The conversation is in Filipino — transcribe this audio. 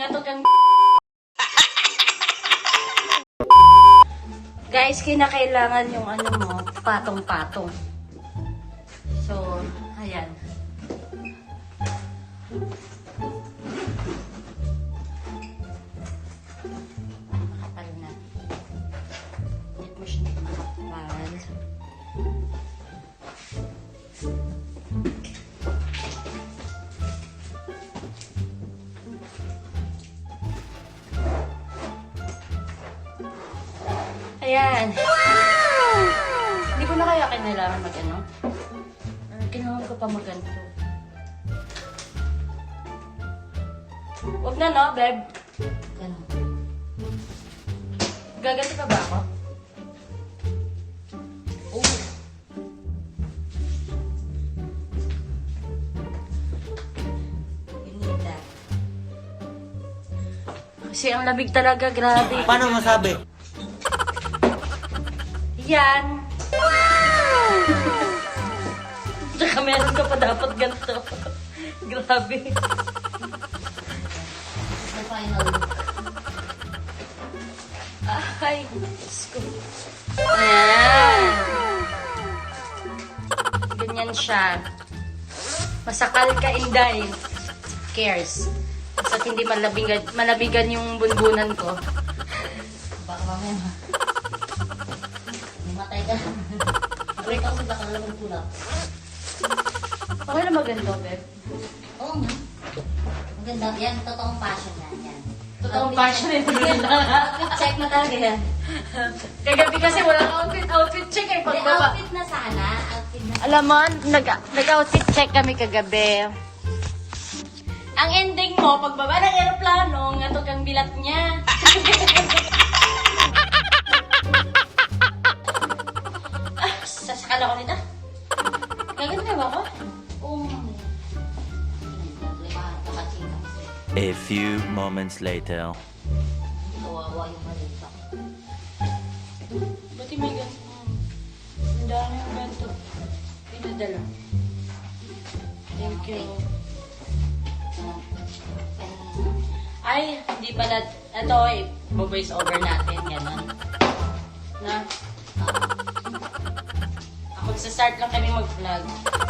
nga to kang... Guys, kinakailangan yung ano mo, patong-patong. So, ayan. Makapal na. Hindi mo siya makapal. Ayan. Wow! Hindi ko na kaya kailangan mag-ano. Ginawa ko pa mag-ganito. Huwag na, no, babe? Ganun. Gaganti pa ba ako? Oh. You need that. Kasi ang labig talaga, grabe. Paano masabi? Yan. Wow! Tsaka meron ka pa dapat ganito. Grabe. The final look. Ay, Diyos ko. Ayan. Ganyan siya. Masakal ka, Inday. Cares. Basta hindi malabigan yung bunbunan ko. Baka mamaya. Matay ka. Break ako sa kanila ng tulak. Okay na maganda, Beb? Oo nga. Maganda. Yan, totoong passion yan. Totoong passion ito. Check na talaga yan. Kagabi kasi walang outfit check eh. Hindi, Pagbaba. outfit na sana. Outfit na. Alam mo, nag-outfit check kami kagabi. Ang ending mo, pagbaba ng aeroplano, nga kang bilat niya. Sasakal ako nito. Gaganda na ba ako? Oo nga. A few moments later. Kawawa yung malita. Ba't may ganito? Ang dami yung ganito. Pinadala. Thank you. Ay, hindi pala. Ito eh, voice over natin. Ganon. Na? Ako, magsa-start lang kami mag-vlog.